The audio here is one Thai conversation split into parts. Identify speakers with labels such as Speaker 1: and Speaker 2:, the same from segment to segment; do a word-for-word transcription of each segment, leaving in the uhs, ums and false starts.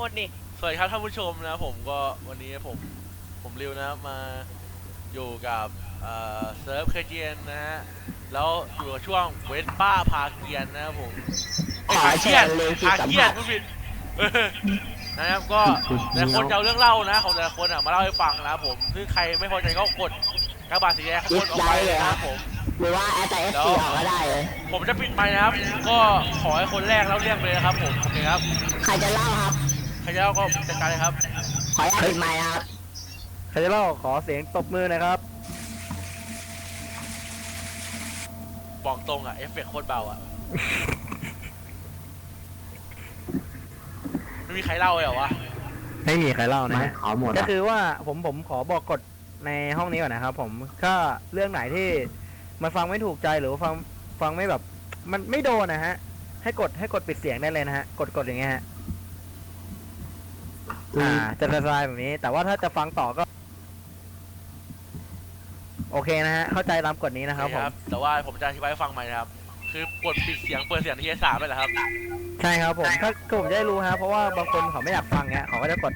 Speaker 1: ดดิ
Speaker 2: สวัสดีครับท่านผู้ชมนะผมก็วันนี้ผมผมริวนะครับมาอยู่กับเอ่อเซิร์ฟเคเจียนนะฮะแล้วอยู่กับช่วงเวสป้าพาเกียนนะครับผมไอ้พาเกียนพาเกียนผู้ผิดนะครับก็แต่ละคนจะเอาเรื่องเล่านะของแต่ละคนอ่ะมาเล่าให้ฟังนะครับผมซึ่งใครไม่พอใจก็กดกระบาดสีแดงข้างบนออกไปนะครับผม
Speaker 3: หรือว่าแอดแต่เอสซีออกก็ได้เลย
Speaker 2: ผมจะปิดไมค์นะครับก็ขอให้คนแรกเล่าเรื่องเลยนะครับผมโอเคครับ
Speaker 3: ใครจะเล่าครับ
Speaker 2: ใครจะเล่าก็จัดการเลยครับ
Speaker 3: ขออนุญาตปิดไมค์ครับ
Speaker 1: ใครจะเล่าขอเสียงตบมือนะครับ
Speaker 2: บอกตรงอ่ะเอฟเฟกต์โคตรเบาอ่ะไม่มีใครเล่าเลยเหรอวะ
Speaker 1: ไม่มีใครเล่านะฮะก็คือว่าผมผมขอบอกกฎในห้องนี้ก่อนนะครับผมก็เรื่องไหนที่มันฟังไม่ถูกใจหรือว่าฟังฟังไม่แบบมันไม่โดนนะฮะให้กดให้กดปิดเสียงได้เลยนะฮะกดกดอย่างเงี้ยฮะอ่าจะสบายแบบนี้แต่ว่าถ้าจะฟังต่อก็โอเคนะฮะเข้าใจตามกฎนี้นะครับผม
Speaker 2: แต่ว่าผมจะอธิบายให้ฟังใหม่นะครับคือกดปิดเสียงเปิดเสียงทีละสามไปเหรอครับ
Speaker 1: ใช่ครับผมถ้าผมจะได้รู้ฮะเพราะว่าบางคนเขาไม่อยากฟังเงี้ยเขาก็จะกด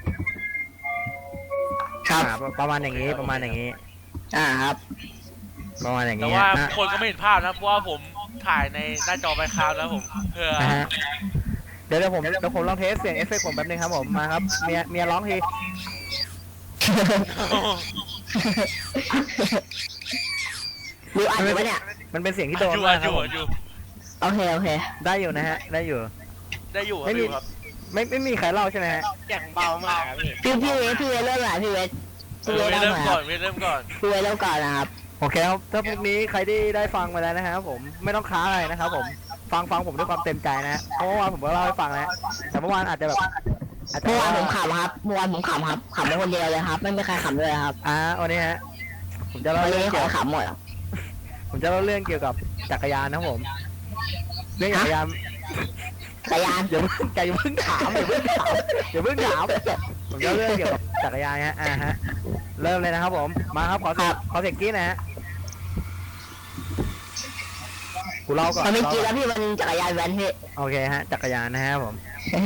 Speaker 3: ครับ
Speaker 1: ประมาณอย่างนี้ประมาณอย่างนี้
Speaker 3: อ่าครับ
Speaker 1: ประมาณอย่างนี้
Speaker 2: แต่ว่าคนก็ไม่เห็นภาพนะเพราะว่าผมถ่ายในหน้าจอไมค์ครับแล้วผมเพื่อ
Speaker 1: เดี๋ยวเดี๋ยวผมเดี๋ยวผมลองเทสเสียงเอฟเฟกต์ผมแป๊บนึงครับผมมาครับเมียเมียร้องที
Speaker 3: ดูอันนี้เนี่ย
Speaker 1: มันเป็นเสียงที่โดนมากครับ
Speaker 3: โอเคโอเค
Speaker 1: ได้อยู่นะฮะได้อยู่
Speaker 2: ได้อยู่
Speaker 1: ไม่มีไม่ไม่มีใครเล่าใช่ไหมฮะ
Speaker 2: เสียงเบามาก
Speaker 3: พี่พี่เวสพี่เวสเริ่มหน่อยพี่เวส
Speaker 2: พี่เวสเริ่มก่อนเริ่มก่อน
Speaker 3: พี่เวสเริ่มก่อนนะครับ
Speaker 1: โอเคครับถ้าพวกนี้ใครที่ได้ฟังมาแล้วนะครับผมไม่ต้องค้าอะไรนะครับผมฟังฟังผมด้วยความเต็มใจนะเพราะว่าผมก็เล่าให้ฟังแล้วแต่เมื่อวานอาจจะแบบ
Speaker 3: เมื่อวานผมขำครับเมื่อวานผมขำครับขำเป็นคนเดียวเลยครับไม่มีใครขำเลยครับ
Speaker 1: อ่าวันนี้ฮะผมจะเล่าเรื่อง
Speaker 3: เกี่ยวกับขำหมด
Speaker 1: ผมจะเล่าเรื่องเกี่ยวกับจักรยานนะผมเรื่องจักรยาน
Speaker 3: จักรยาน
Speaker 1: อย่าเพิ่งอย่าเพิ่งถามอย่าเพิ่งถามอย่าเพิ่งถามผมจะเรื่องเกี่ยวกับจักรยานฮะอ่าฮะเริ่มเลยนะครับผมมาครับขอขอเสียงกี้นะฮะกูเล่าก่อน
Speaker 3: มันไม่กี้แล้วพี่มันจักรยานแว้นพี่
Speaker 1: โอเคฮะจักรยานนะฮะผม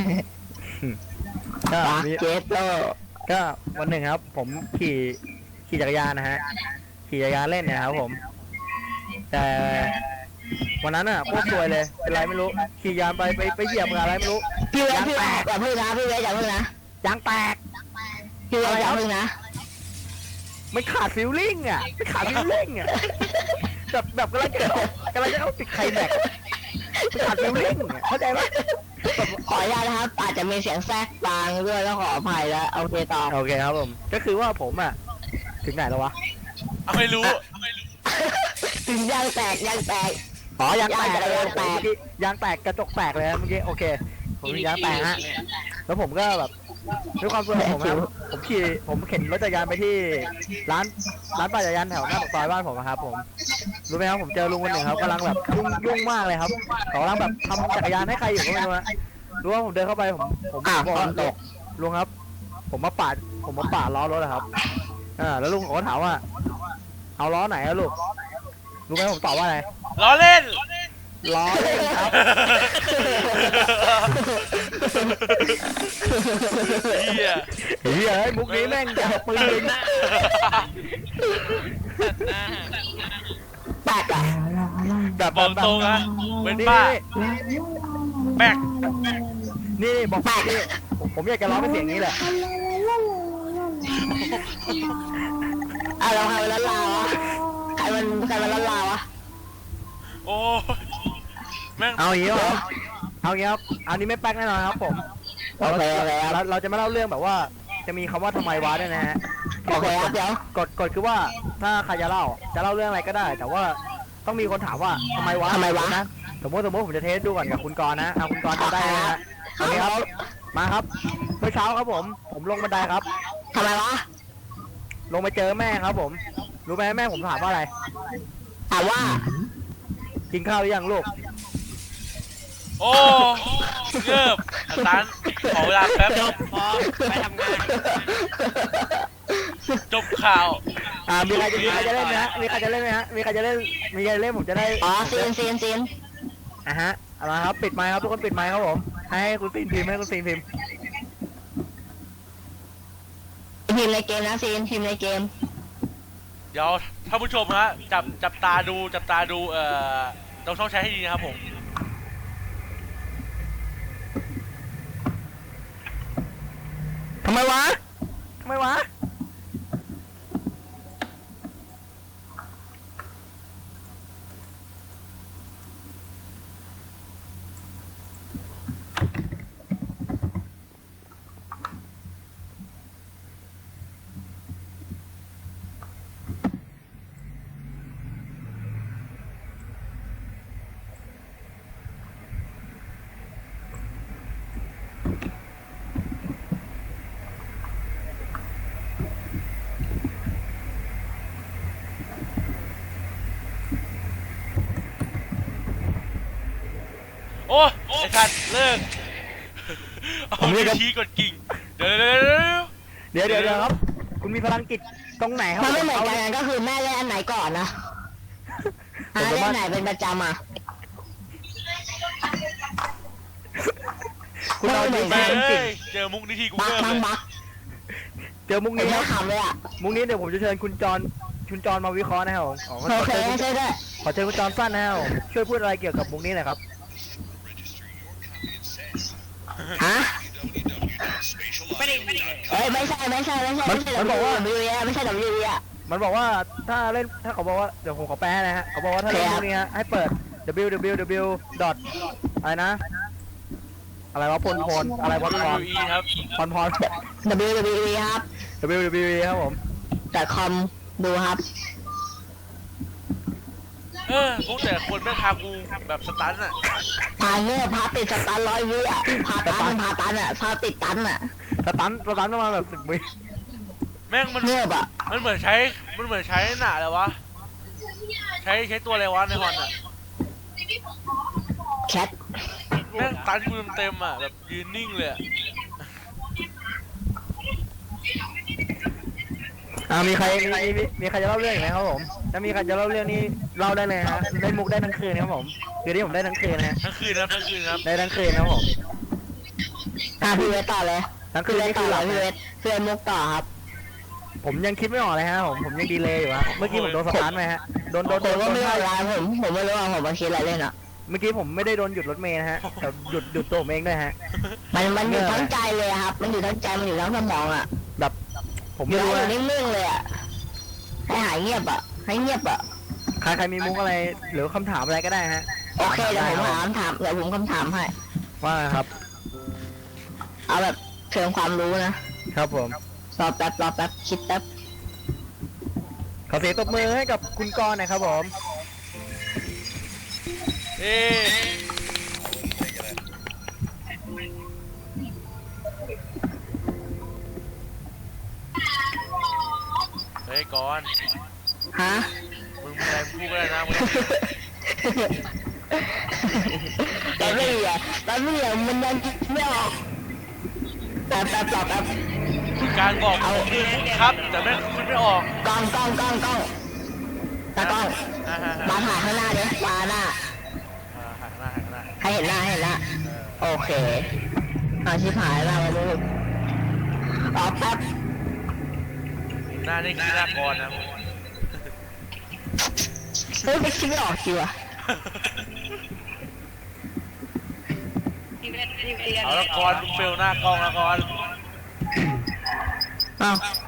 Speaker 3: ก็เจสโต
Speaker 1: ก็วันหนึ่งครับผมขี่ขี่จักรยานนะฮะขี่จักรยานเล่นเนี่ยครับผมแต่วันนั้นอ่ะโคตรสวยเลยเป็นไรไม่รู้ขี่ยานไปไปไปเหยียบอะไรไม่รู้
Speaker 3: พี่เวสพี่เวสอย่าพึ่งนะพี่เวสอย่าพึ่งนะ
Speaker 1: ยางแตก
Speaker 3: พี่เวสอย่าพึ่งนะ
Speaker 1: ไม่ขาดฟิลลิ่งอ่ะไม่ขาดฟิลลิ่งอ่ะแบบแบบกำลังจะกำลังจะเอาติดไข่แม็กไม่ขาดฟิลลิ่งเข้าใจไหม
Speaker 3: ขออนุญาตนะครับอาจจะมีเสียงแทรกบางด้วยแล้วขออภัยแล้วโอเคต่อ
Speaker 1: โอเคครับผมก็คือว่าผมอ่ะถึงไหนแล้ววะ
Speaker 2: ไม่รู้
Speaker 3: ถึงยางแตกยางแตก
Speaker 1: อ๋อยางแตกยางแตกยางแตกกระจกแตกเลยเมื่อกี้โอเคผมยางแตกฮะแล้วผมก็แบบด้วยความสวยผมครับผมขี่ผมเข็นรถจักรยานไปที่ร้านร้านปั่นจักรยานแถวหน้าปากซอยบ้านผมครับผมรู้ไหมครับผมเจอลุงคนหนึ่งครับกำลังแบบยุ่งยุ่งมากเลยครับเขากำลังแบบทำจักรยานให้ใครอยู่ก็ไม่รู้นะรู้ว่าผมเดินเข้าไปผมผมบอกว่าลุงครับผมมาปาดผมมาปาดล้อรถนะครับอ่าแล้วลุงเขาก็ถามว่าเอาล้อไหนอะลูกรู้ไหมผมตอบว่าอะไร
Speaker 2: ล้อเล่น
Speaker 1: ล้อเล่นครับ
Speaker 2: เฮีย
Speaker 1: เฮียไอ้มุกนี้แม่งจะปืน
Speaker 3: แปลกอะ
Speaker 1: แบบ
Speaker 2: บอกตรงนะเว้นป้าแบก
Speaker 1: นี่บอกแปลกนี่ผมอยากจะร้องเป็นเสียงนี้แหละ
Speaker 3: อ่ะเราใครมันละลาวะใครมันใครมันละลาวะ
Speaker 2: โอ้แม่ง
Speaker 1: เอาอย่างนี้เหรอเอาอย่างนี้ครับอันนี้ไม่แป๊กแน่นอนครับผม
Speaker 3: โอเคโอเค
Speaker 1: เราเราจะมาเล่าเรื่องแบบว่าจะมีคำว่าทำไมวะด้วยนะฮะ
Speaker 3: โอเคเดี๋ยว
Speaker 1: กดกดคือว่าถ้าใครจะเล่าจะเล่าเรื่องอะไรก็ได้ แต่ว่าต้องมีคนถามว่าทำไมวะ
Speaker 3: ทำไมวะ
Speaker 1: นะสมมติสมมติผมจะเทสดูก่อนกับคุณกรณ์นะเอาคุณกรณ์จะได้นะฮะโอเคครับมาครับเมื่อเช้าครับผมผมลงบันไดครับ
Speaker 3: ทำไมวะ
Speaker 1: ลงไปเจอแม่ครับผมรู้ไหมแม่ผมถามว่าอะไร
Speaker 3: ถามว่า
Speaker 1: กินข้าวหรือยังลูก
Speaker 2: โอ้เงิบอาจารย์ขอเวลาแป๊บพอไปทำงานจบข่าว
Speaker 1: อ่ามีใครจะมีใครจะเล่นไหมฮะมีใครจะเล่นไหมฮะมีใครจะเล่นมีใครเล่นผมจะได้
Speaker 3: อ๋อซีนซีนซีน
Speaker 1: อ่ะฮะเอาละครับปิดไมค์ครับทุกคนปิดไมค์ครับผมให้คุณซีนพิมพ์ให้คุณซีนพิมพ์
Speaker 3: พิมพ์ในเกมนะซีนพิมพ์ในเกม
Speaker 2: เดี๋ยวท่านผู้ชมฮะจับจับตาดูจับตาดูเอ่อเราต้องใช้ให้ดีนะครับผม
Speaker 1: ทำไมวะทำไมวะ
Speaker 2: โอ้ไอ้สัตว์เลิกเอาวิธีกดกิ่งเดี๋ยวเดี๋ยวเดี๋ยว
Speaker 1: เดี๋ยวเดี๋ยวเดี๋ยวครับ คุณมีพลังจิตตรงไหนครับ
Speaker 3: มันไม่เหมือน
Speaker 1: อา
Speaker 3: กันก็คือแม่เล่นอันไหนก่อนนะอ่าเล่นอันไหนเป็นประจำอ่ะ
Speaker 1: คุณเอา
Speaker 3: ไม่
Speaker 1: ดี
Speaker 3: เหมือน
Speaker 1: พ
Speaker 3: กั
Speaker 1: ลั
Speaker 3: น
Speaker 1: งจิต
Speaker 2: เจอมุกนี้ทีกู
Speaker 3: บัก
Speaker 2: เริ่ม
Speaker 3: บั
Speaker 2: เล
Speaker 3: ก
Speaker 2: ย
Speaker 3: บัก
Speaker 1: เจอมุก
Speaker 3: ไม่
Speaker 1: นี้ค
Speaker 3: ได้
Speaker 1: รับ
Speaker 3: ขำเลยอ่ะ
Speaker 1: มุกนี้เดี๋ยวผมจะเชิญคุณจรคุณจรมาวิเคราะห์นะครับผมขอ
Speaker 3: โอเค
Speaker 1: ขอเชิญคุณ
Speaker 3: ใช่ด้วย
Speaker 1: ขอเชิญคุณจรสั้นนะครับผมช่วยพูดอะไรเกี่ยวกับมุกนี้หน่อยครับ
Speaker 3: ฮะเอ้ยไม่ใช่ไม่ใช่ไม่ใช่ไม่ใช่
Speaker 1: มันบอกว่า
Speaker 3: W W E ไม่ใช่ W W E อ่ะ
Speaker 1: มันบอกว่าถ้าเล่นถ้าเขาบอกว่าเดี๋ยวผมขอแปลให้นะฮะเขาบอกว่าถ้าเล่น
Speaker 3: ครับ
Speaker 1: มุกนี้ฮะให้เปิด w w w ดอทอะไรนะ อะไรวะพลพลอะไรวะพร
Speaker 2: อีครับ
Speaker 1: พรพร
Speaker 3: W W E ครับ
Speaker 1: w w w ครับผม
Speaker 3: แต่คอมดูครับ
Speaker 2: เออพวกแต่คนแม่งพากูแบบสตันอ่ะ
Speaker 3: พาเงือบพาติดสตันร้อยวิอ่ะพาตันพาตันอ่ะพาติดตันอ่ะ
Speaker 1: สตันสตันประมาณแบบสิบวิ
Speaker 2: แม่งมัน
Speaker 3: เงือบอ่ะ
Speaker 2: มันเหมือนใช้มันเหมือนใช้หนาเลยวะใช้ใช้ตัวอะไรวะในฮอนอ่ะ
Speaker 3: แคท
Speaker 2: แม่งตันกูเต็มๆอ่ะแบบยืนนิ่งเลยอะ
Speaker 1: อ่ามีใครมีมีมีใครจะเล่าเรื่องอีกไหมครับผมถ้ามีใครจะเล่าเรื่องนี้เล่าได้เลยฮะเล่นมุกได้ทั้งคืนครับผมคือที่ผมได้ทั้งคืนนะฮะ
Speaker 2: ทั้งคืนนะครับทั้งคืนครับ
Speaker 1: ได้ทั้งคืนครับผม
Speaker 3: อ่ะพี่เวทต่อเลย
Speaker 1: ทั้งคื
Speaker 3: พี่
Speaker 1: น
Speaker 3: เวท
Speaker 1: นี่
Speaker 3: ต่
Speaker 1: คือ อห
Speaker 3: เล
Speaker 1: ลั
Speaker 3: ย
Speaker 1: บ
Speaker 3: พี่เว
Speaker 1: นะ
Speaker 3: ทพี่เวทมุกต่อครับ
Speaker 1: ผมยังคิดไม่ออกเลยฮะผมผมยังดีเลยอยู่ฮะเมื่อกี้ผมโดนสตาร์ทไหมฮะโดนโดน
Speaker 3: ผ
Speaker 1: โด
Speaker 3: ม
Speaker 1: น
Speaker 3: ก็
Speaker 1: โดน
Speaker 3: ไม่รู้
Speaker 1: ท่า
Speaker 3: อะไรผมผมไม่รู้ว่าผมมาคิดอะไรเล่นอ่ะ
Speaker 1: เมื่อกี้ผมไม่ได้โดนหยุดรถเมล์นะฮะแต่หยุดหยุดตัวผมเองด้วยฮะ
Speaker 3: มันมันอยู่ทั้งใจเลยครับ มันอยู่ทั้งใจมันอยู่ทั้งสมองอ่ะ
Speaker 1: แบบผม
Speaker 3: อยู่
Speaker 1: ไม่รู้
Speaker 3: อยู่
Speaker 1: นะ
Speaker 3: นิ่งๆเลยอ่ะให้หายเงียบอ่ะให้เงียบอ่ะ
Speaker 1: ใครใครมีมุกอะไรหรือคำถามอะไรก็ได้ฮะ
Speaker 3: โอเคเดี๋ยวผมถามถามเดี๋ยวผมคำถามให้
Speaker 1: ว่าครับ
Speaker 3: เอาแบบเชิงความรู้นะครับ
Speaker 1: ผม
Speaker 3: รอแป๊บรอแป๊บคิดแป๊บ
Speaker 1: ขอเสียงตบมือให้กับคุณกรณ์หนะครับผม
Speaker 2: เอ๊ะเฮ้ยก่อน
Speaker 3: ฮะ
Speaker 2: มึงมีอะไรพูดก็ได้นะมึง
Speaker 3: แป๊บไม่เหรอแป๊บไม่เหรอมันยังคิดไม่ออกแป๊บแป๊บรอแป๊บ
Speaker 2: การบอกเอาคือครับ แต่แม่งคุณไม่ออก
Speaker 3: กล้องกล้องกล้องกล้องตากล้อง
Speaker 2: อ่าฮะ
Speaker 3: มาถ่ายข้างหน้าดิมาหน้า
Speaker 2: อ่าหันหน้าหันหน้า
Speaker 3: ให้เห็นหน้าให้เห็นหน้า
Speaker 2: เออ
Speaker 3: โอเคเอาชิบหายแล้วมาดูรอแป๊บ
Speaker 2: หน้านี่คือหน้ากรนะ
Speaker 3: เฮ้ยไม่คิดไม่ออกจริงว่ะ
Speaker 2: เอาละกรมึงเฟลหน้ากล้องละกร
Speaker 3: เอา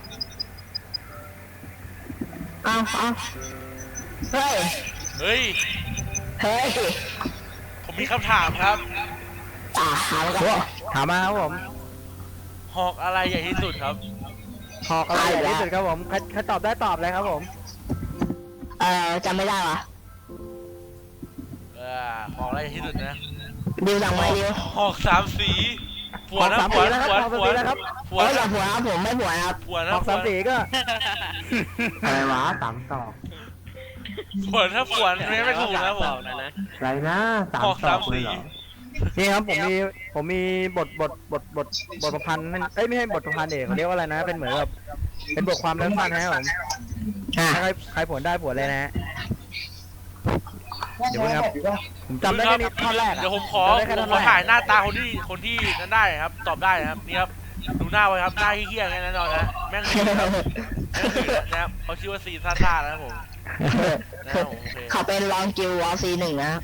Speaker 3: เอาเอาเฮ้ย
Speaker 2: เฮ้ย
Speaker 3: เฮ้ย
Speaker 2: ผมมีคำถามครับ
Speaker 3: อ่าถามกัน
Speaker 1: ถามมาครับผม
Speaker 2: หอกอะไรใหญ่ที่สุดครับ
Speaker 1: หอกอะไรใหญ่ที่สุดครับผมใครใครตอบได้ตอบเลยครับผม
Speaker 3: เอ่อจำไม่ได้วะ
Speaker 2: เออหอกอะไรใหญ่ที่สุดนะ
Speaker 3: ดิวสั่งมาดิว
Speaker 2: หอกสามสีผั
Speaker 1: ห
Speaker 2: ว
Speaker 1: อก
Speaker 2: นะ
Speaker 1: สาม
Speaker 2: ผั
Speaker 1: สี
Speaker 2: ว
Speaker 1: แล้วครับ
Speaker 2: ผัว
Speaker 1: หอกสาม
Speaker 2: ผัว
Speaker 1: สีแล้วครับ
Speaker 2: ผัว
Speaker 3: โอ้ยอย่า
Speaker 2: นะ
Speaker 3: ผัวครับผมไม่ผัวนะครับ
Speaker 2: ผัวนะ
Speaker 1: หอกสามสีก็
Speaker 4: อะไรวะสามสอง
Speaker 2: ผัวถ้าผัวไม่ไม่ถูกนะผม
Speaker 4: อะไรนะสาม
Speaker 2: หอก
Speaker 4: ส
Speaker 2: สา
Speaker 4: อ
Speaker 2: ม
Speaker 4: งเลย
Speaker 2: สี
Speaker 4: เหรอ
Speaker 1: นี่ครับผมมีผมมีบทบทบทบทบทประพันธ์นั่นเอ้ยไม่ใช่บทประพันธ์เอกเขาเรียกว่าอะไรนะ เป็นเหมือนแบบเป็นบทความสั้นๆนะครับผม
Speaker 3: อ่ะ
Speaker 1: ถ้าใครใครผลได้ผลเลยนะฮะเดี๋ยวนะครับผมจำได้แค่นี้ท่อนแรกอะ
Speaker 2: เดี๋ยวผมขอ
Speaker 1: จำได้แค่
Speaker 2: ผ
Speaker 1: ท่อ
Speaker 2: ม
Speaker 1: น
Speaker 2: ขอ
Speaker 1: แรก
Speaker 2: ถ่ายหน้าตาคนที่คนที่นั้นได้ครับ ตอบได้นะครับนี่ครับดูหน้าไว้ครับหน้าเหี้ยๆแค่นั้นนอนนะแม่งหื่นครับแม่งหื่นนะครับเขาชื่อว่าซีซ่าซ่านะครับผมนะครับผมโอเค
Speaker 3: เขาเป็นรองกิลวอลซีหนึ่งนะครับ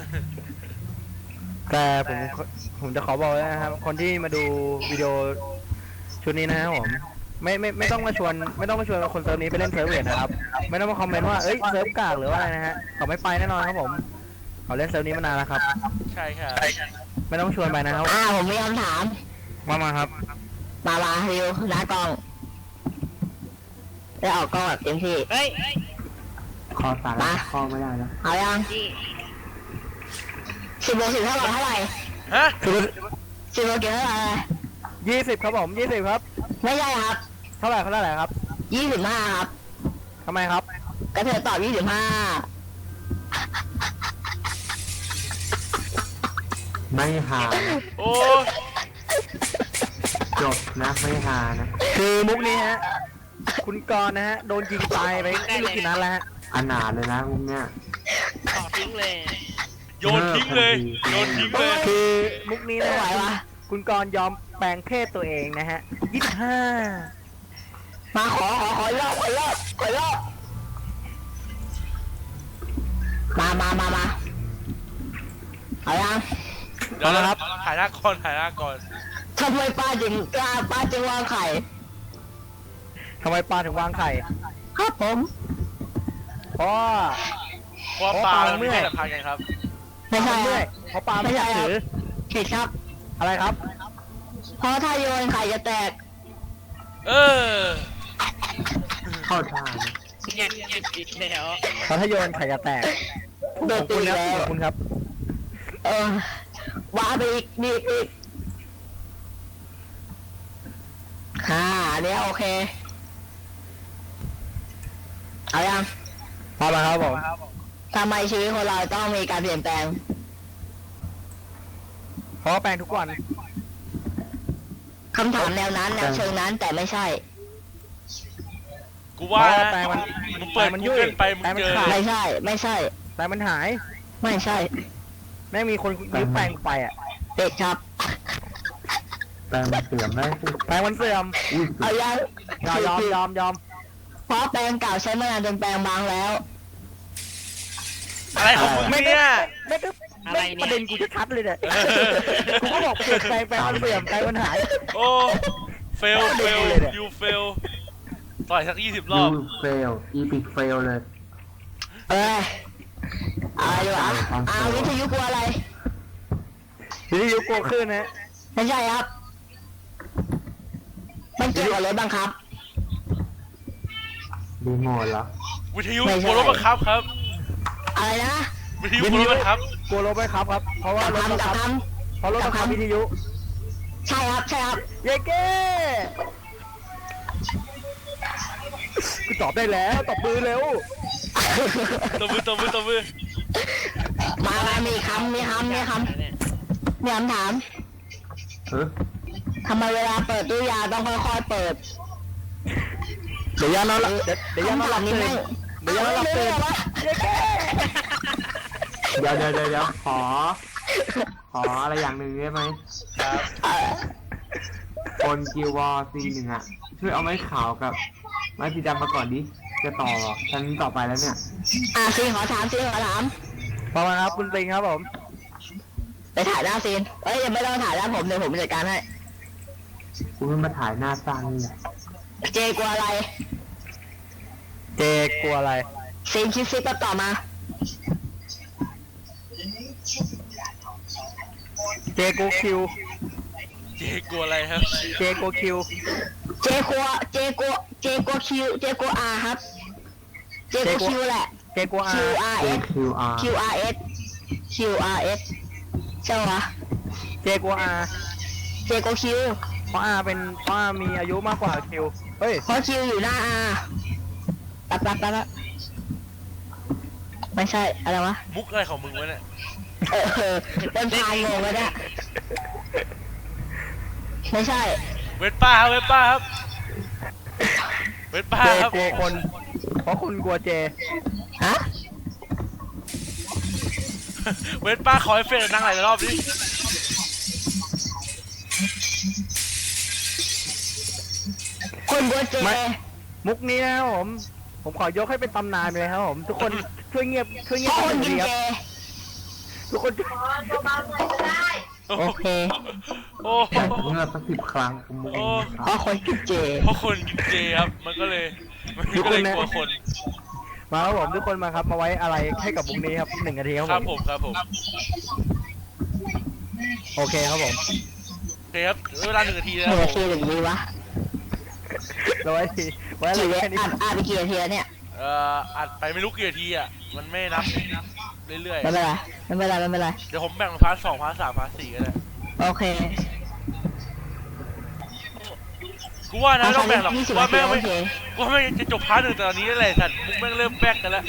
Speaker 1: แต่ผมผมจะขอบอกเลยนะครับ คนที่มาดูวิดีโอชุดนี้นะครับผมไม่ไม่ไม่ต้องมาชวนไม่ต้องมาชวนคนเซิร์ฟนี้ไปเล่นเซิร์ฟเวทนะครับ ไม่ต้องมาคอมเมนต์ว่าเอ้ยเซิร์ฟกากหรือว่าอะไรนะฮะเขาไม่ไปแน่นอนครับผมเขาเล่นเซิร์ฟนี้มานานแล้วครับ
Speaker 2: ใช่ครับ
Speaker 1: ไม่ต้องชวนไปนะครับ
Speaker 3: อ่าผมมีคำถาม
Speaker 1: มามาครับ
Speaker 3: มามาริวหน้ากล้องได้ออกกล้องแบบเต็มที่
Speaker 5: เฮ้ย
Speaker 4: คอสาระข้อไม่ได้แล้ว
Speaker 3: เอายังสิบบวกสิบเท่าไหร่เท่าไหร่
Speaker 2: ฮะ
Speaker 3: สิบบวกกี่เท่าไหร่
Speaker 1: ยี่สิบครับผมยี่สิบครับ
Speaker 3: ไม่ใช่ครับ
Speaker 1: เท่าไหร่เท่าไหร่ครับ
Speaker 3: ยี่สิบห้าครับ
Speaker 1: ทำไมครับ
Speaker 3: ก็เธอตอบยี่สิบห้า
Speaker 4: ไม่หานะ
Speaker 2: โอ้
Speaker 4: จบนะไม่หานะ
Speaker 1: คือมุกนี้ฮะคุณกรณ์นะฮะโดนยิงตายไปไม่รู้กี่นัดแล้วฮะ
Speaker 4: อนาถเลยนะมุกเนี้ย
Speaker 5: ต่อทิ้งเลย
Speaker 2: โยนทิ้งเลยโยนทิ้งเลย
Speaker 1: คือมุกนี้
Speaker 3: ไม่
Speaker 1: นะ
Speaker 3: ไหว
Speaker 1: ฮะ
Speaker 3: วะ
Speaker 1: คุณกรณ์ยอมแปลงเพศตัวเองนะฮะยี่สิบห้า
Speaker 3: มาขอขอขอรอบขอรอบขอรอบมามามามาเอายัง
Speaker 2: เดี๋ยวนะครับถ่ายหน้าก่อนถ่ายหน้าก่อน
Speaker 3: ทำไมป้าจึงกล้าป้าจึงวางไข่
Speaker 1: ทำไมปลาถึงวางไข่
Speaker 3: ครับผม
Speaker 1: เพราะว่า
Speaker 2: เพราะว่าปลาเราไม่ใช่แต่พันกันครับ
Speaker 3: ไม่ใช่
Speaker 1: เมื่
Speaker 3: ค
Speaker 1: อย
Speaker 3: รับ
Speaker 1: เพราะปลาไม่อยากถือ
Speaker 3: ผิดครับ
Speaker 1: อะไรครับ
Speaker 3: เพราะถ้าโยนไข่จะแตก
Speaker 2: เออ
Speaker 4: เข้าท่านะ
Speaker 5: เนี่ยอีกแล้ว
Speaker 1: เพราะถ้าโยนไข่จะแตก
Speaker 3: โด
Speaker 1: ข
Speaker 3: น
Speaker 1: อบ
Speaker 3: ตี
Speaker 1: คุณครับ
Speaker 3: แล้
Speaker 1: ข
Speaker 3: ว
Speaker 1: อบคุณครับ
Speaker 3: เออว่าไปอีกนี่อีกฮ่าอันเนี้ยโอเคเอายัง
Speaker 1: พอแล้วครับผม
Speaker 3: ทำไมชีวิตคนเราต้องมีการเปลี่ยนแปลง
Speaker 1: เพราะว่าแปลงทุกวัน
Speaker 3: คำถามแนวนั้นแนวเชิงนั้นแต่ไม่ใช่
Speaker 2: กูว่า
Speaker 1: เพราะ
Speaker 2: นะ
Speaker 1: แปลงมัน
Speaker 2: มึงเปิด
Speaker 1: แปลงมัน
Speaker 2: กู
Speaker 1: ยุ่ย
Speaker 2: เกิลไปมึง
Speaker 1: แปลงมัน
Speaker 2: เจอ
Speaker 1: ขาด
Speaker 3: ไม่ใช่ ไม่ใช่
Speaker 1: แปลงมันหาย
Speaker 3: ไม่ใช่
Speaker 1: แม่งมีคนยืมแปลงไปอ่ะ
Speaker 3: เด็กครับ
Speaker 4: แปลงมันเสื่อมได้สิ
Speaker 1: แปลงมันเสื่อม
Speaker 4: อุ้ย
Speaker 3: เอายัง
Speaker 1: ยอมยอมยอมยอม
Speaker 3: เพราะแปลงเก่าใช้มานานจนแปลงบางแล้ว
Speaker 2: อะไรของมึง
Speaker 1: ไม่
Speaker 2: เนี่ย
Speaker 1: ไม่ก็ไม่ประเด็นกูจะชัดเลยเนี่ยกูก็บอกเปลี่ยนแปลงแปลงมันเสื่อมแปลงมันหาย
Speaker 2: โอ้เฟลเฟล
Speaker 1: เลยเนี่ย
Speaker 2: ยูเฟลต่อยสักยี่สิบร
Speaker 4: ยู
Speaker 2: อบ
Speaker 4: เฟลอีพิกเฟลเลย
Speaker 3: เอ้ยอะไรวะอาวิทยุกลัวอะไร
Speaker 1: วิทยุกลัวขึ้นนะ
Speaker 3: ไม่ใช่ครับ มันเกี่ยวกับรถบังคับ
Speaker 4: รีโมทเหรอ
Speaker 2: วิทยุ
Speaker 3: ไม่ใช่
Speaker 2: กลัวรถบังคับครับ
Speaker 3: อะไรนะ
Speaker 2: วิทยุกลัวรถบังคับ
Speaker 1: กลัวรถไหมครับครับ เพราะว่ารถบัง
Speaker 3: กับ
Speaker 1: คับ
Speaker 3: ค
Speaker 1: เพราะรถบังคับวิทยุ
Speaker 3: ำใช่ครับ ใช่ครับ
Speaker 1: เย้เก้กูตอบได้แล้วตบมือเร็ว
Speaker 2: ตบมือตบมือตบมือ
Speaker 3: มามามีคำมีคำมีคำ
Speaker 5: เนี่ย
Speaker 3: มีคำถาม
Speaker 4: เออ
Speaker 3: ทำไมเวลาเปิดตู้ยาต้องค่อยๆเปิด
Speaker 1: เดี๋ยวยานอนหลับเดี๋ยวเดี๋ยวยานอนหลับ
Speaker 3: นี้
Speaker 1: ตื่น
Speaker 3: แม่ง
Speaker 1: เดี๋ยวยานอนหลับตื่นเย้เก้
Speaker 4: เดี๋ยวเดี๋ยวเดี๋ยวเดี๋ยวขอ ขออะไรอย่างหนึ่งได้ไหม
Speaker 2: ครับ
Speaker 3: เอ่อ
Speaker 4: คนกิววอซีหนึ่งอ่ะ ช่วยเอาไม้ขาวกับไม้สีดำมาก่อนดิ จะต่อชั้นต่อไปแล้วเนี่ย
Speaker 3: อ่ะซีนขอถามซีนขอถาม
Speaker 1: ประมาณครับคุณปิงครับผม
Speaker 3: ไปถ่ายหน้าซีนเอ้ยยังไม่ต้องถ่ายหน้าผมเดี๋ยวผมจัดการให้
Speaker 4: กูเพิ่งมาถ่ายหน้าสร้างนี่แหละ
Speaker 3: เจกลัวอะไร
Speaker 1: เจกลัวอะไร
Speaker 3: ซีนคิดซิปก็ต่อมา
Speaker 1: เจกลัวคิว
Speaker 2: เจ๊กลัวอะไรครับ
Speaker 1: เจกลัวคิว
Speaker 3: เจกลัวเจกลัวเจกลัวคิวเจกลัวอาครับ เจกลัวคิวแหละ
Speaker 1: เจกลัวอา
Speaker 3: Q R
Speaker 4: เอ
Speaker 3: S
Speaker 4: คิวอาร์
Speaker 3: Q R S Q R S ใช่ปะ
Speaker 1: เจกลัวอา
Speaker 3: เจกลัวคิว
Speaker 1: เพราะอาเป็นเพราะอามีอายุมากกว่าคิวเฮ้ย
Speaker 3: เพราะคิวอยู่หน้าอาแป๊บแป๊บแป๊บแป๊บไม่ใช่อะไรวะ
Speaker 2: มุกอะไรของมึงวะเนี่ย
Speaker 3: เออเออเป็นพายงงแล้วเนี่ยไม่ใช่
Speaker 2: เวทป้าครับเวทป้าครับเวทป้า
Speaker 1: เจ
Speaker 2: ครับ
Speaker 1: กลัวคน เพราะคนกลัวเจ
Speaker 3: ฮะ
Speaker 2: เวทป้าขอให้เฟรนนั่งหลายรอบดิ
Speaker 3: คนบัวเจ
Speaker 1: ไม่ มุกนี้นะครับผม ผมขอยกให้เป็นตำนานไปเลยครับผม ทุกคนช่วยเงียบช่วยเงีย
Speaker 3: พ่
Speaker 1: บ
Speaker 3: อคน
Speaker 1: ที
Speaker 3: กิน
Speaker 1: ค
Speaker 3: เจ
Speaker 1: รับทุกคน
Speaker 3: โอเค
Speaker 2: โอ้
Speaker 4: แต่เมื่อสักสิบครั้งผมมึง
Speaker 2: โอ้
Speaker 3: พ่อคนกินเจ
Speaker 2: เพราะคนกินเจครับมันก็เลยมันก็เลยกลัวคน
Speaker 1: มาครับผมทุกคนมาครับมาไว้อะไรให้กับมุกนี้ครับหนึ่งนาทีครับ
Speaker 2: ค
Speaker 1: ผ
Speaker 2: รับ
Speaker 1: ม
Speaker 2: ผมครับผม
Speaker 1: โอเคครับผม
Speaker 2: โอเคครับเวลาหนึ่งนาที
Speaker 3: ห
Speaker 2: นะ
Speaker 3: นึ่ง
Speaker 2: ครั
Speaker 3: นา
Speaker 2: บผ
Speaker 3: ที
Speaker 2: ม
Speaker 3: หรือวิวะ
Speaker 1: เราไว้ทีไว้อะไร
Speaker 3: กี่เว
Speaker 1: แค่นี้
Speaker 3: อ่านอ่านไปกี่นาทีแล้วเนี่ย
Speaker 2: เอ่ออัดไปไม่รู้กี่นาทีอ่ะมันไม่นับเรื่อย
Speaker 3: ไม่เป็นไรไม่เป็นไรไม่เป็นไร
Speaker 2: ๆเดี๋ยวผมแบ่งพาร์ทสองพาร์ทสามพาร์ทสี่ก็ได้
Speaker 3: โอเค
Speaker 2: กูว่านะไม่ต้องแบ่งหรอก
Speaker 3: ยี่สิบ
Speaker 2: ว่า
Speaker 3: นาที
Speaker 2: แม่ง
Speaker 3: โอ
Speaker 2: ไม่
Speaker 3: เค
Speaker 2: ว่าแม่งจะจบพาร์ทหนึ่งตอนนี้แหละสัตว์มุกแม่งเริ่มแบกกันแล้ว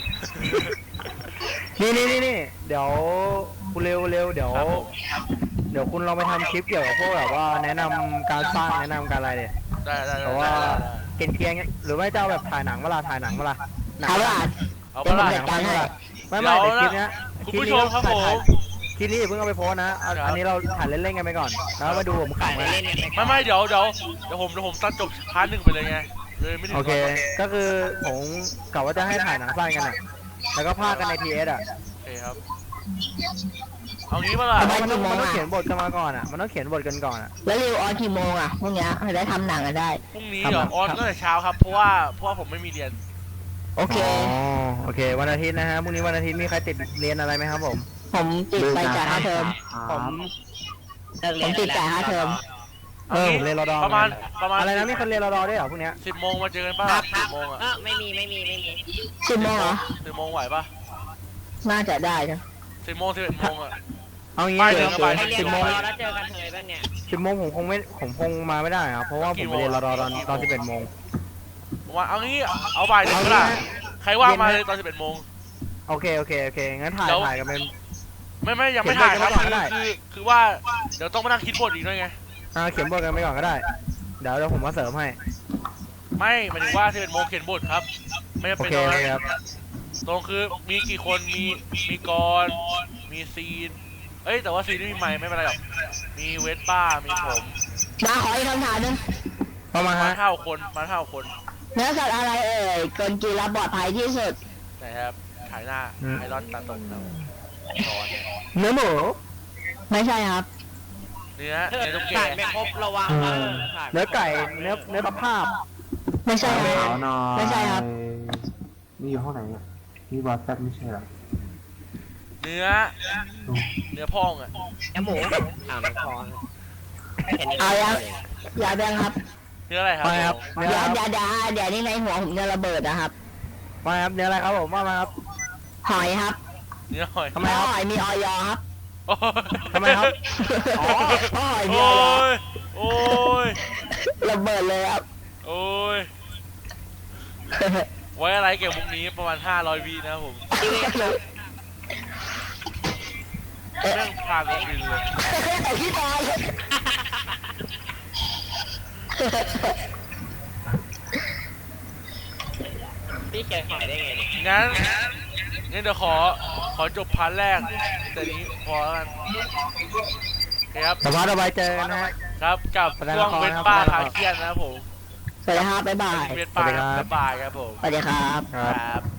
Speaker 1: นี่นี่นี่นี่เดี๋ยวคุณเร็วเร็วเดี๋ยว
Speaker 2: ครับผม
Speaker 1: เดี๋ยวคุณลองไปทำคลิปเกี่ยวกับพวกแบบว่าแนะนำการสร้างแนะนำการอะไรเนี่ย
Speaker 2: ได้ได้
Speaker 1: เพ
Speaker 2: ได้
Speaker 1: ราะว่า
Speaker 2: ได้
Speaker 1: เกณฑ์เกียงๆหรือไม่เจ้าแบบถ่ายหนังเวลาถ่ายหนังเวลาหนัง
Speaker 3: เอาล่ะ
Speaker 2: เอา
Speaker 3: เดี๋ยวผม
Speaker 2: ปะล่ะ
Speaker 3: จัดการให้
Speaker 1: ไม่ไม่แต่คลิปเนี้ย
Speaker 2: คุณ
Speaker 1: คลิป
Speaker 2: ผู้
Speaker 1: นี้
Speaker 2: ชมครับ
Speaker 1: ถ่าย
Speaker 2: ผม
Speaker 1: ถ่ายคลิปนี้อย่าเพิ่งเอาไปโพสต์นะเอาอันนี้เราถ่ายเล่นๆกันไปก่อนแล้วมาดูผม
Speaker 5: ถ่าย
Speaker 1: ขำนะ
Speaker 5: เล่นๆกันไป
Speaker 2: ไม่ไม่เดี๋ยวเดี๋ยวเดี๋ยวผมเดี๋ยวผมตัดจบพาร์ทหนึ่งไปเลยไงเลยไม่ถึง
Speaker 1: โอเค
Speaker 2: ตอน
Speaker 1: ก็คือผมกะว่าจะให้ถ่ายหนังสั้นกันอ่ะแล้วก็พากกันในทีเอสอ่ะ
Speaker 2: โอเคครับเอางี้ปะล่ะ
Speaker 3: ทำไม
Speaker 1: มันต้อง
Speaker 3: กี่โมง
Speaker 1: มันต้อง
Speaker 3: อะ
Speaker 1: เขียนบทกันมาก่อนอ่ะมันต้องเขียนบทกันก่อนอ่ะ
Speaker 3: แล้วริวออนกี่โมงอ่ะพวกเนี้ยจะได้ทำหนังกันได้
Speaker 2: พรุ่งนี้
Speaker 1: ครับ
Speaker 2: เดี๋ยว
Speaker 1: ครับ
Speaker 2: ออนตั้งแต่เช้าครับเพราะว่าเพราะว่าผมไม่มีเรียน
Speaker 3: โอเค
Speaker 1: อ๋อโอเควันอาทิตย์นะฮะพรุ่งนี้วันอาทิตย์มีใครติดเรียนอะไรไหมครับผม
Speaker 3: ผมติดไปจ่ายค่าเทอม
Speaker 1: ผม
Speaker 5: เลิก
Speaker 3: ผ
Speaker 5: เรีย
Speaker 3: ม
Speaker 5: น
Speaker 3: ติดจ่ายค่าเทอม
Speaker 1: เออผมเรียนรอดอ
Speaker 2: ประมาณประมาณ
Speaker 1: อะไรนะมีคนเรียนรอดอด้วยเหรอพวกเนี้ย
Speaker 2: สิบโมงมาเจอกันป่ะสิบโมงอ่ะ
Speaker 5: เออไม่มีไม่มีไม่มี
Speaker 3: สิบโมงเหรอ
Speaker 2: สิบโมงไหวป่ะ
Speaker 3: น่าจะได้นะ
Speaker 2: สิบโมงสิบเอ็ดโมงอ่ะ
Speaker 1: เอางี้
Speaker 2: ไป
Speaker 1: เล
Speaker 2: เดี๋
Speaker 1: ย
Speaker 2: ยวไป
Speaker 5: ให้เรีย
Speaker 1: สิ
Speaker 5: น
Speaker 1: บ
Speaker 5: ร
Speaker 1: โม
Speaker 5: อง แล้วเจอกันเลยบ้างเนี่ย
Speaker 1: สิบโมงผมคงไม่ผมคงมาไม่ได้ครับเพราะว่าผมไปเรียนรอดอตอนตอนสิบเอ็ดโมง
Speaker 2: ว่าเอางี้เอาบ่ายหนึ่งก็ได้
Speaker 1: เอางี้นะ
Speaker 2: ใครว่างมา
Speaker 1: เย็นนะ
Speaker 2: เลยตอนสิบเอ็ดโมง
Speaker 1: โอเคโอเคโอเคงั้นถ่าย
Speaker 2: เดี๋ยว
Speaker 1: ถ่ายกันเป็น
Speaker 2: ไม่ไม่ยังไม่
Speaker 1: เขียน
Speaker 2: ถ่ายครับ
Speaker 1: บทกัน
Speaker 2: คือ
Speaker 1: ไว้ก่อนก็ได้
Speaker 2: คือคือว่าเดี๋ยวต้องมานั่งคิดบทอีกด้วยไง
Speaker 1: อ่าเขียนบทกันไปก่อนก็ได้ เดี๋ยวเดี๋ยวผมมาเสริมให้
Speaker 2: ไม่หมายถึงว่าสิบเอ็ดโมงเขียนบทครับ ไม่จำ
Speaker 1: โอ
Speaker 2: เป็น
Speaker 1: เค
Speaker 2: ตรง
Speaker 1: โอ
Speaker 2: นั้น
Speaker 1: เคครับ
Speaker 2: ตรงคือมีกี่คนมีมีกรมีซีนเอ้ยแต่ว่าซีนไม่มีไมค์ไม่เป็นไรหรอกมีเวสป้ามีผม
Speaker 3: มาขออีกคำถามหนึง
Speaker 1: เข้ามา
Speaker 2: มา
Speaker 1: ฮะ
Speaker 2: เท่าคนมาเท่าคน
Speaker 3: เนื้อสัตว์อะไรเอ่ยเกินกินแล้วปลอดภัยที่สุด
Speaker 2: นะครับถ่ายหน้าไอรอนตาตกนะกร
Speaker 1: เนื้อหมู
Speaker 3: ไม่ใช่ครับ
Speaker 2: เนื้อเนื้อตุ๊กแก
Speaker 5: ถ่ายไม่ครบระวังเออถ่าย
Speaker 1: เนื้อไก่เนื้อเนื้อตะภาพ
Speaker 3: ไม่ใช่ค
Speaker 4: ขา
Speaker 3: รับ
Speaker 4: วหน่อย
Speaker 3: ไม่ใช่ครับ
Speaker 4: นี่อยู่ห้องไหนเนี่ยนี่วอทแซปไม่ใช่เหรอ
Speaker 2: เนื้อเนื้อพองอ่ะ
Speaker 5: แอมหมูอ่าไม่พอแค่นี้
Speaker 3: เอายังอย่าแบงครับ
Speaker 2: เนื้ออะไรครับ
Speaker 1: ไปครับ
Speaker 2: ผม
Speaker 1: เนื้อ
Speaker 3: อย่า
Speaker 1: อะไรครับ
Speaker 3: อย่าอย่าเดี๋ยวนี้ในหัวผมจะระเบิดนะครับ
Speaker 1: มาครับเนื้ออะไรครับผมว่ามาครับ
Speaker 3: หอยครับ
Speaker 2: เนื้อหอย
Speaker 1: ทำไมครับ
Speaker 3: หอยมีออยครับ
Speaker 2: โอ้ย
Speaker 1: ทำไมครับ
Speaker 3: อ๋อหอยมี
Speaker 2: โอ้
Speaker 3: ออย
Speaker 2: ยโอ้ย
Speaker 3: ระเบิดเลยครับ
Speaker 2: โอ้ยไว้อะไรเกี่ยวมุกนี้ประมาณห้าร้อยวินะครับผมเรื่องพาไปบินเลย
Speaker 3: แต่พี่ตาย
Speaker 5: พี่เขียนหอยได้ไงเนี่ย
Speaker 2: งั้นงั้นเดี๋ยวขอขอจบพาร์ทแรกแต่นี้พอแล้วกันโอเคครับ
Speaker 1: แต่ว่าเราไปเจอกันนะฮะ
Speaker 2: ครับกับ
Speaker 1: แสดง
Speaker 2: ช่ว
Speaker 1: ละ
Speaker 2: ง
Speaker 1: คร
Speaker 2: เวท
Speaker 1: นะครับ
Speaker 2: ป้า
Speaker 1: แสดงละคร
Speaker 2: พาเคียนนะครับผม
Speaker 3: สวัสดีครับบ๊ายบาย
Speaker 2: เวทป้า
Speaker 1: สวัสดีครับ
Speaker 2: บ๊ายบายครับผม
Speaker 3: สวัสดีครับ
Speaker 1: ครับ
Speaker 2: ครับ